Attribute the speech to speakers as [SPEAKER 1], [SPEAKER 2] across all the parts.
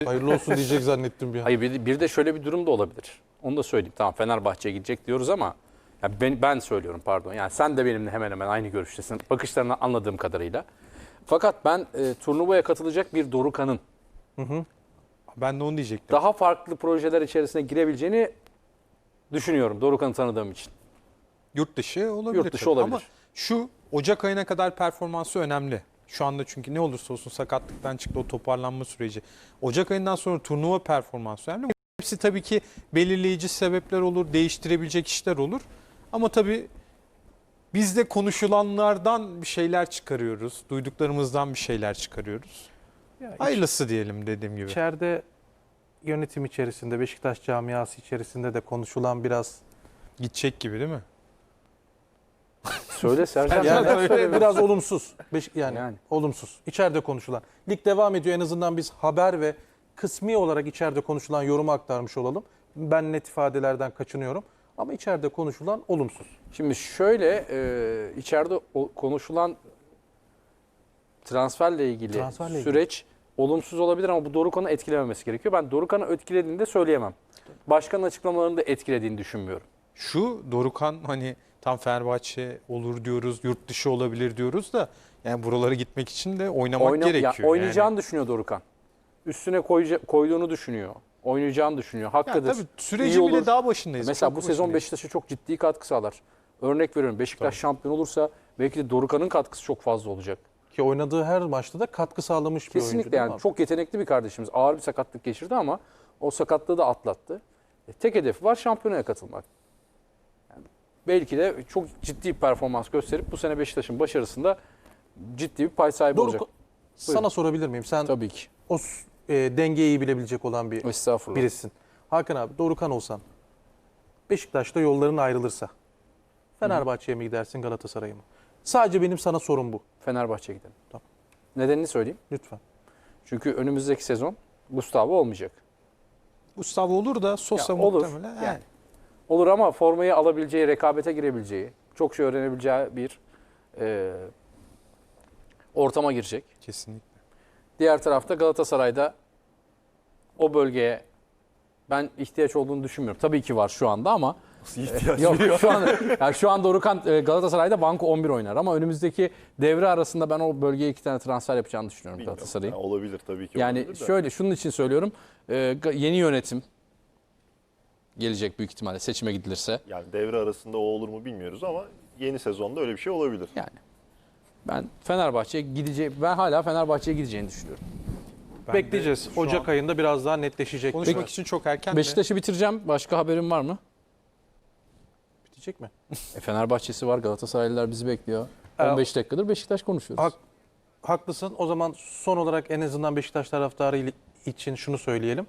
[SPEAKER 1] Hayırlı olsun diyecek zannettim bir an.
[SPEAKER 2] Hayır, bir de şöyle bir durum da olabilir. Onu da söyleyeyim. Tamam, Fenerbahçe'ye gidecek diyoruz ama ya ben söylüyorum, pardon. Yani sen de benimle hemen hemen aynı görüştesin. Bakışlarını anladığım kadarıyla. Fakat ben turnuvaya katılacak bir Dorukhan'ın
[SPEAKER 3] Ben de onu diyecektim.
[SPEAKER 2] daha farklı projeler içerisine girebileceğini düşünüyorum. Dorukhan'ı tanıdığım için.
[SPEAKER 3] Yurt dışı olabilir.
[SPEAKER 2] Yurt dışı
[SPEAKER 3] tabii.
[SPEAKER 2] olabilir.
[SPEAKER 3] Ama şu Ocak ayına kadar performansı önemli. Şu anda çünkü ne olursa olsun sakatlıktan çıktı o toparlanma süreci. Ocak ayından sonra turnuva performansı önemli. Hepsi tabii ki belirleyici sebepler olur, değiştirebilecek işler olur. Ama tabii biz de konuşulanlardan bir şeyler çıkarıyoruz. Duyduklarımızdan bir şeyler çıkarıyoruz. Hayırlısı diyelim dediğim gibi.
[SPEAKER 1] İçeride yönetim içerisinde, Beşiktaş camiası içerisinde de konuşulan biraz
[SPEAKER 3] Gidecek gibi değil mi?
[SPEAKER 2] Söyle Sercan.
[SPEAKER 1] yani
[SPEAKER 2] neden söylemiyorsun?
[SPEAKER 1] biraz olumsuz.
[SPEAKER 2] Yani.
[SPEAKER 1] Olumsuz. İçeride konuşulan. Lig devam ediyor, en azından biz haber ve kısmi olarak içeride konuşulan yorumu aktarmış olalım. Ben net ifadelerden kaçınıyorum. Ama içeride konuşulan olumsuz.
[SPEAKER 2] Şimdi şöyle içeride konuşulan transferle ilgili süreç olumsuz olabilir ama bu Dorukhan'ı etkilememesi gerekiyor. Ben Dorukhan'ı etkilediğini de söyleyemem. Başkanın açıklamalarını da etkilediğini düşünmüyorum.
[SPEAKER 3] Şu Dorukhan hani tam Fenerbahçe olur diyoruz, yurt dışı olabilir diyoruz da yani buralara gitmek için de oynamak gerekiyor.
[SPEAKER 2] Oynayacağını düşünüyor Dorukhan. Üstüne koyduğunu düşünüyor. Oynayacağını düşünüyor. Hakikadır.
[SPEAKER 3] Ya tabii süreci bile daha başındayız.
[SPEAKER 2] Mesela
[SPEAKER 3] Çok
[SPEAKER 2] bu sezon
[SPEAKER 3] başındayız.
[SPEAKER 2] Beşiktaş'a çok ciddi katkı sağlar. Örnek veriyorum, Beşiktaş şampiyon olursa belki de Dorukhan'ın katkısı çok fazla olacak.
[SPEAKER 1] Ki oynadığı her maçta da katkı sağlamış bir oyuncu.
[SPEAKER 2] Kesinlikle,
[SPEAKER 1] değil mi
[SPEAKER 2] yani
[SPEAKER 1] abi?
[SPEAKER 2] çok yetenekli bir kardeşimiz. Ağır bir sakatlık geçirdi ama o sakatlığı da atlattı. Tek hedefi var, şampiyonaya katılmak. Yani belki de çok ciddi bir performans gösterip bu sene Beşiktaş'ın başarısında ciddi bir pay sahibi olacak.
[SPEAKER 1] Sana sorabilir miyim? Sen
[SPEAKER 2] Tabii ki.
[SPEAKER 1] o dengeyi iyi bilebilecek olan bir
[SPEAKER 2] Estağfurullah.
[SPEAKER 1] birisin. Hakan abi, Dorukhan olsan, Beşiktaş'ta yolların ayrılırsa Fenerbahçe'ye mi gidersin, Galatasaray'a mı? Sadece benim sana sorum bu.
[SPEAKER 2] Fenerbahçe'ye gidelim.
[SPEAKER 1] Tamam.
[SPEAKER 2] Nedenini söyleyeyim.
[SPEAKER 1] Lütfen.
[SPEAKER 2] Çünkü önümüzdeki sezon Gustavo olmayacak.
[SPEAKER 3] Mustafa olur da Sosa
[SPEAKER 2] Ya olur.
[SPEAKER 3] muhtemelen.
[SPEAKER 2] Yani. Olur ama formayı alabileceği, rekabete girebileceği, çok şey öğrenebileceği bir ortama girecek.
[SPEAKER 3] Kesinlikle.
[SPEAKER 2] Diğer tarafta Galatasaray'da o bölgeye ben ihtiyaç olduğunu düşünmüyorum. Tabii ki var şu anda ama yok şu an Dorukhan Galatasaray'da banko 11 oynar ama önümüzdeki devre arasında ben o bölgeye 2 tane transfer yapacağını düşünüyorum Galatasaray'ın.
[SPEAKER 4] Yani olabilir tabii ki.
[SPEAKER 2] Yani
[SPEAKER 4] olabilir de.
[SPEAKER 2] şöyle, şunun için söylüyorum. Yeni yönetim gelecek büyük ihtimalle seçime gidilirse.
[SPEAKER 4] Yani devre arasında o olur mu bilmiyoruz ama yeni sezonda öyle bir şey olabilir.
[SPEAKER 2] Yani ben ben hala Fenerbahçe'ye gideceğini düşünüyorum.
[SPEAKER 3] Ben
[SPEAKER 1] Bekleyeceğiz.
[SPEAKER 3] de şu
[SPEAKER 1] Ocak
[SPEAKER 3] an
[SPEAKER 1] ayında biraz daha netleşecek.
[SPEAKER 3] konuşmak için çok erken de.
[SPEAKER 2] Beşiktaş'ı bitireceğim. Başka haberin var mı?
[SPEAKER 1] bitecek mi?
[SPEAKER 2] Fenerbahçe'si var. Galatasaraylılar bizi bekliyor. 15 dakikadır Beşiktaş konuşuyoruz.
[SPEAKER 1] Haklısın. O zaman son olarak en azından Beşiktaş taraftarı için şunu söyleyelim.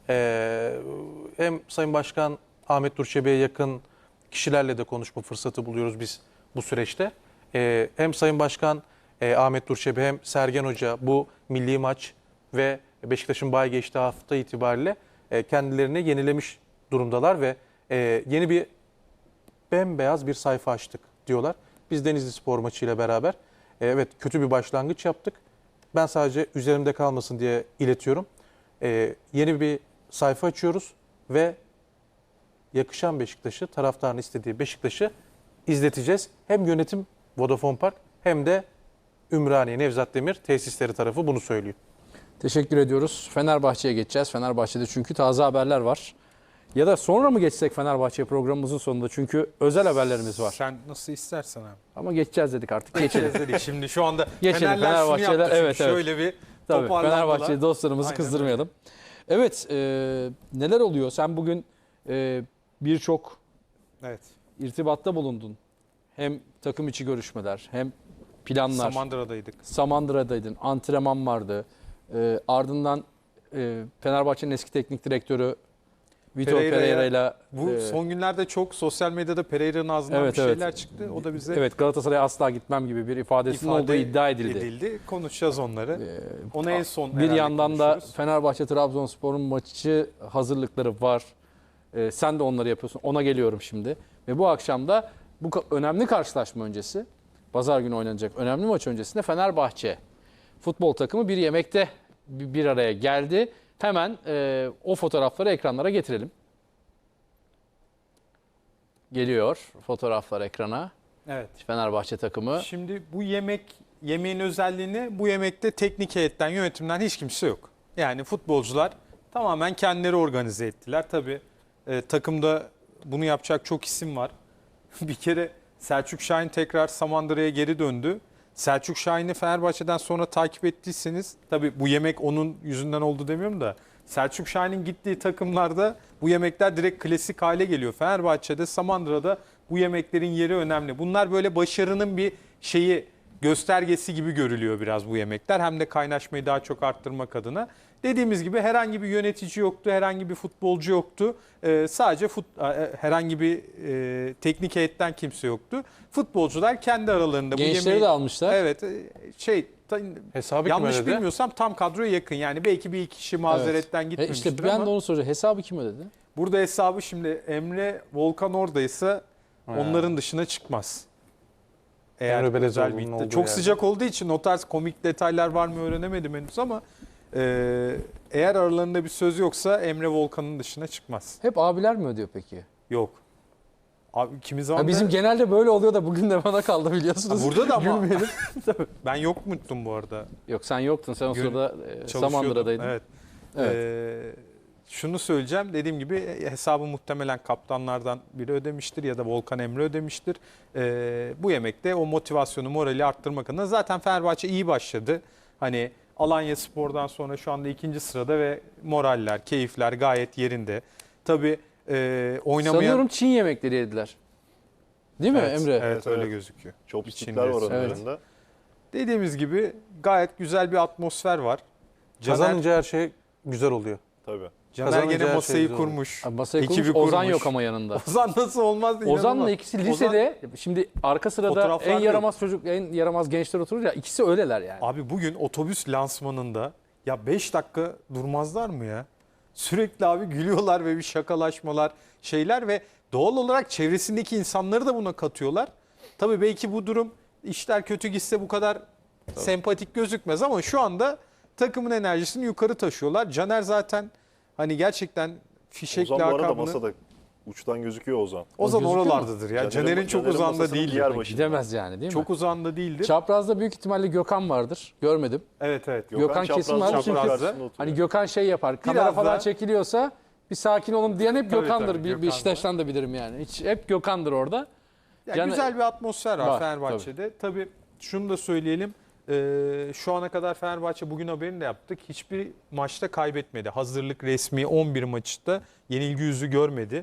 [SPEAKER 1] Hem Sayın Başkan Ahmet Nur Çebi'ye yakın kişilerle de konuşma fırsatı buluyoruz biz bu süreçte. Hem Sayın Başkan Ahmet Nur Çebi hem Sergen Hoca bu milli maç ve Beşiktaş'ın bay geçtiği hafta itibariyle kendilerini yenilemiş durumdalar ve yeni bir bembeyaz bir sayfa açtık diyorlar. Biz Denizli Spor maçıyla beraber evet kötü bir başlangıç yaptık. Ben sadece üzerimde kalmasın diye iletiyorum. Yeni bir sayfa açıyoruz ve yakışan Beşiktaş'ı, taraftarın istediği Beşiktaş'ı izleteceğiz. Hem yönetim Vodafone Park hem de Ümraniye Nevzat Demir tesisleri tarafı bunu söylüyor.
[SPEAKER 2] Teşekkür ediyoruz. Fenerbahçe'ye geçeceğiz. Fenerbahçe'de çünkü taze haberler var. Ya da sonra mı geçsek Fenerbahçe programımızın sonunda? Çünkü özel haberlerimiz var.
[SPEAKER 3] Sen nasıl istersen abi.
[SPEAKER 2] Ama geçeceğiz dedik artık. Geçelim.
[SPEAKER 3] Dedik şimdi şu anda
[SPEAKER 2] Geçelim.
[SPEAKER 3] Fenerler şunu
[SPEAKER 2] Fenerbahçe'ler,
[SPEAKER 3] yaptı çünkü
[SPEAKER 2] evet.
[SPEAKER 3] şöyle bir
[SPEAKER 2] Tabii,
[SPEAKER 3] toparlandılar.
[SPEAKER 2] Fenerbahçe dostlarımızı
[SPEAKER 3] Aynen
[SPEAKER 2] kızdırmayalım. Evet, neler oluyor? Sen bugün birçok
[SPEAKER 3] Evet.
[SPEAKER 2] irtibatta bulundun. Hem takım içi görüşmeler, hem planlar.
[SPEAKER 3] Samandıra'daydık.
[SPEAKER 2] Samandıra'daydın, antrenman vardı. Ardından Fenerbahçe'nin eski teknik direktörü Vitor Pereira ile
[SPEAKER 3] Bu son günlerde çok sosyal medyada Pereira'nın ağzından
[SPEAKER 2] Evet,
[SPEAKER 3] bir şeyler
[SPEAKER 2] evet.
[SPEAKER 3] çıktı. O da bize
[SPEAKER 2] evet, Galatasaray'a asla gitmem gibi bir ifadesinin olduğu iddia edildi.
[SPEAKER 3] Konuşacağız onları. Onu en son
[SPEAKER 2] Bir
[SPEAKER 3] herhalde
[SPEAKER 2] yandan da
[SPEAKER 3] konuşuruz.
[SPEAKER 2] Fenerbahçe Trabzonspor'un maçı hazırlıkları var. Sen de onları yapıyorsun. Ona geliyorum şimdi. Ve bu akşam da bu önemli karşılaşma öncesi, pazar günü oynanacak önemli maç öncesinde Fenerbahçe futbol takımı bir yemekte bir araya geldi. Hemen o fotoğrafları ekranlara getirelim. Geliyor fotoğraflar ekrana.
[SPEAKER 3] Evet.
[SPEAKER 2] Fenerbahçe takımı.
[SPEAKER 3] Şimdi bu yemeğin özelliğini, bu yemekte teknik heyetten, yönetimden hiç kimse yok. Yani futbolcular tamamen kendileri organize ettiler. Tabii takımda bunu yapacak çok isim var. Bir kere Selçuk Şahin tekrar Samandıra'ya geri döndü. Selçuk Şahin'i Fenerbahçe'den sonra takip ettiyseniz, tabii bu yemek onun yüzünden oldu demiyorum da, Selçuk Şahin'in gittiği takımlarda bu yemekler direkt klasik hale geliyor. Fenerbahçe'de, Samandıra'da bu yemeklerin yeri önemli. Bunlar böyle başarının bir göstergesi gibi görülüyor biraz bu yemekler. Hem de kaynaşmayı daha çok arttırmak adına. Dediğimiz gibi herhangi bir yönetici yoktu, herhangi bir futbolcu yoktu. Sadece herhangi bir teknik heyetten kimse yoktu. Futbolcular kendi aralarında bu
[SPEAKER 2] Gençleri
[SPEAKER 3] yemeği...
[SPEAKER 2] de almışlar.
[SPEAKER 3] Evet,
[SPEAKER 1] Hesabı kim
[SPEAKER 3] yanlış
[SPEAKER 1] ödedi?
[SPEAKER 3] bilmiyorsam tam kadroya yakın. Yani belki bir iki kişi mazeretten gitmemiştir
[SPEAKER 2] İşte ben
[SPEAKER 3] ama
[SPEAKER 2] de onu soracağım. Hesabı kim ödedi?
[SPEAKER 3] burada hesabı şimdi Emre Volkan oradaysa onların dışına çıkmaz. Eğer
[SPEAKER 1] Emre Belezoğlu'nun
[SPEAKER 3] özel bir
[SPEAKER 1] olduğu
[SPEAKER 3] çok
[SPEAKER 1] yerde.
[SPEAKER 3] sıcak olduğu için o tarz komik detaylar var mı öğrenemedim henüz ama eğer aralarında bir söz yoksa Emre Volkan'ın dışına çıkmaz.
[SPEAKER 2] Hep abiler mi ödüyor peki?
[SPEAKER 3] Yok. Abi kimi zaman
[SPEAKER 2] Ha, bizim genelde böyle oluyor da bugün de bana kaldı biliyorsunuz.
[SPEAKER 3] burada da ama
[SPEAKER 2] Gülmeyelim.
[SPEAKER 3] ben yok muydum bu arada?
[SPEAKER 2] Yok sen yoktun. Sen o
[SPEAKER 3] Gün-
[SPEAKER 2] sırada
[SPEAKER 3] Çalışıyordum.
[SPEAKER 2] Samandıra'daydın.
[SPEAKER 3] Evet.
[SPEAKER 2] Evet.
[SPEAKER 3] Şunu söyleyeceğim. Dediğim gibi hesabı muhtemelen kaptanlardan biri ödemiştir ya da Volkan Emre ödemiştir. Bu yemekte o motivasyonu, morali arttırmak adına zaten Fenerbahçe iyi başladı. Hani Alanyaspor'dan sonra şu anda 2. sırada ve moraller, keyifler gayet yerinde. Tabii oynamayan...
[SPEAKER 2] Sanıyorum Çin yemekleri yediler. Değil mi
[SPEAKER 3] Evet,
[SPEAKER 2] Emre?
[SPEAKER 3] Evet,
[SPEAKER 4] Evet,
[SPEAKER 3] öyle
[SPEAKER 4] evet.
[SPEAKER 3] gözüküyor.
[SPEAKER 4] Chopstick'ler var
[SPEAKER 3] İçinde.
[SPEAKER 4] aralarında.
[SPEAKER 3] Dediğimiz gibi gayet güzel bir atmosfer var.
[SPEAKER 1] Kazanınca her şey güzel oluyor.
[SPEAKER 4] Tabii.
[SPEAKER 3] Caner
[SPEAKER 1] kazanınca
[SPEAKER 3] gene
[SPEAKER 1] her şey
[SPEAKER 3] masayı
[SPEAKER 1] güzel olur.
[SPEAKER 3] kurmuş.
[SPEAKER 2] Abi masayı
[SPEAKER 3] ekibi
[SPEAKER 2] kurmuş, Ozan
[SPEAKER 3] kurmuş.
[SPEAKER 2] yok ama yanında.
[SPEAKER 3] Ozan nasıl olmaz değil.
[SPEAKER 2] Ozan'la ikisi lisede. Şimdi arka sırada
[SPEAKER 3] Fotoğraflar
[SPEAKER 2] en
[SPEAKER 3] yok.
[SPEAKER 2] yaramaz çocuk, en yaramaz gençler oturur ya. İkisi öyleler yani.
[SPEAKER 3] Abi bugün otobüs lansmanında ya 5 dakika durmazlar mı ya? Sürekli abi gülüyorlar ve bir şakalaşmalar, şeyler ve doğal olarak çevresindeki insanları da buna katıyorlar. Tabii belki bu durum işler kötü gitse bu kadar sempatik gözükmez ama şu anda takımın enerjisini yukarı taşıyorlar. Caner zaten hani gerçekten fişek
[SPEAKER 4] Ozan bu arada
[SPEAKER 3] lakabını...
[SPEAKER 4] masada uçtan gözüküyor Ozan.
[SPEAKER 3] Ozan
[SPEAKER 2] gözüküyor mu?
[SPEAKER 3] oralardadır ya. Caner'in çok uzağında
[SPEAKER 4] masasının
[SPEAKER 3] değildir.
[SPEAKER 4] diğer başında.
[SPEAKER 2] Gidemez yani değil mi?
[SPEAKER 3] Çok uzağında değildir.
[SPEAKER 2] Çaprazda büyük ihtimalle Gökhan vardır. Görmedim.
[SPEAKER 3] Evet evet.
[SPEAKER 2] Gökhan kesin var. Çünkü hani Gökhan şey yapar. Kamera
[SPEAKER 3] Biraz
[SPEAKER 2] falan
[SPEAKER 3] da-
[SPEAKER 2] çekiliyorsa bir sakin olun diyen hep
[SPEAKER 3] Tabii,
[SPEAKER 2] Gökhan'dır.
[SPEAKER 3] tabii,
[SPEAKER 2] Bir
[SPEAKER 3] Gökhan
[SPEAKER 2] Beşiktaş'tan da bilirim yani. Hiç, hep Gökhan'dır orada.
[SPEAKER 3] Ya
[SPEAKER 2] Yani-
[SPEAKER 3] güzel bir atmosfer var,
[SPEAKER 2] Var,
[SPEAKER 3] Fenerbahçe'de. Tabii şunu da söyleyelim. Şu ana kadar Fenerbahçe bugün haberini de yaptık. Hiçbir maçta kaybetmedi. Hazırlık resmi 11 maçta yenilgi yüzü görmedi.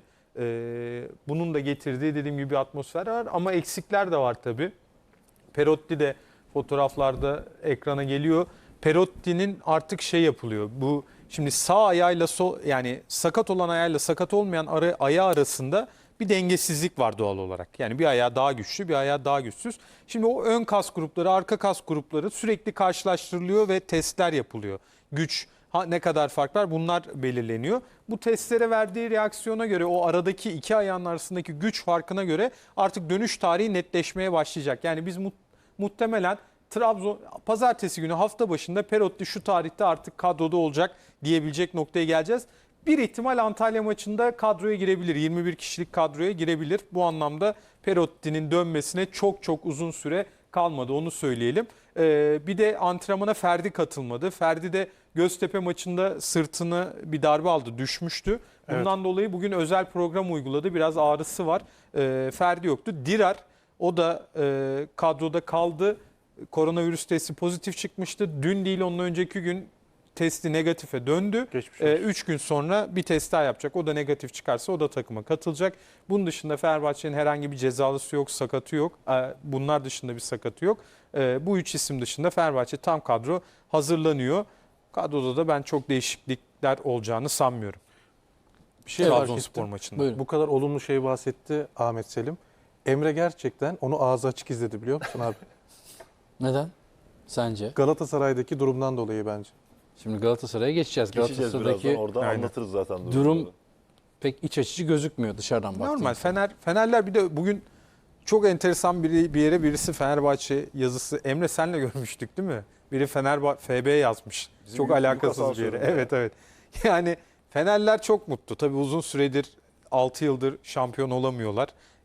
[SPEAKER 3] Bunun da getirdiği dediğim gibi bir atmosfer var ama eksikler de var tabii. Perotti de fotoğraflarda ekrana geliyor. Perotti'nin artık şey yapılıyor. Bu şimdi sağ ayağıyla yani sakat olan ayağıyla sakat olmayan ayağı arasında bir dengesizlik var doğal olarak. Yani bir ayağı daha güçlü, bir ayağı daha güçsüz. Şimdi o ön kas grupları, arka kas grupları sürekli karşılaştırılıyor ve testler yapılıyor. Güç, ne kadar fark var bunlar belirleniyor. Bu testlere verdiği reaksiyona göre o aradaki iki ayağın arasındaki güç farkına göre artık dönüş tarihi netleşmeye başlayacak. Yani biz muhtemelen pazartesi günü hafta başında Perotti şu tarihte artık kadroda olacak diyebilecek noktaya geleceğiz. Bir ihtimal Antalya maçında kadroya girebilir. 21 kişilik kadroya girebilir. Bu anlamda Perotti'nin dönmesine çok uzun süre kalmadı onu söyleyelim. Bir de antrenmana Ferdi katılmadı. Ferdi de Göztepe maçında sırtını bir darbe aldı, düşmüştü. Bundan dolayı bugün özel program uyguladı. Biraz ağrısı var. Ferdi yoktu. Dirar o da kadroda kaldı. Koronavirüs testi pozitif çıkmıştı. Dün değil ondan önceki gün testi negatife döndü.
[SPEAKER 1] Geçmiş olsun.
[SPEAKER 3] 3 gün sonra bir test daha yapacak. O da negatif çıkarsa o da takıma katılacak. Bunun dışında Fenerbahçe'nin herhangi bir cezalısı yok, sakatı yok. Bunlar dışında bir sakatı yok. Bu 3 isim dışında Fenerbahçe tam kadro hazırlanıyor. Kadroda da ben çok değişiklikler olacağını sanmıyorum.
[SPEAKER 1] Bir şey fark
[SPEAKER 3] Trabzonspor
[SPEAKER 1] ettim.
[SPEAKER 3] maçında.
[SPEAKER 2] Buyurun.
[SPEAKER 1] Bu kadar olumlu şey bahsetti Ahmet Selim. Emre gerçekten onu ağzı açık izledi biliyor musun abi?
[SPEAKER 2] Neden? Sence?
[SPEAKER 1] Galatasaray'daki durumdan dolayı bence.
[SPEAKER 2] Şimdi Galatasaray'a geçeceğiz.
[SPEAKER 4] Geçeceğiz birazdan.
[SPEAKER 2] Galatasaray'daki
[SPEAKER 4] Oradan
[SPEAKER 3] Aynen.
[SPEAKER 4] anlatırız zaten.
[SPEAKER 2] durum pek iç açıcı gözükmüyor dışarıdan baktığımızda.
[SPEAKER 3] Normal. Fenerler bir de bugün çok enteresan bir yere birisi Fenerbahçe yazısı. Emre senle görmüştük değil mi? Biri FB yazmış.
[SPEAKER 4] Bizim
[SPEAKER 3] çok
[SPEAKER 4] büyük
[SPEAKER 3] alakasız bir yere.
[SPEAKER 4] asansörde.
[SPEAKER 3] Evet. Yani Fenerler çok mutlu. Tabii uzun süredir 6 yıldır şampiyon olamıyorlar.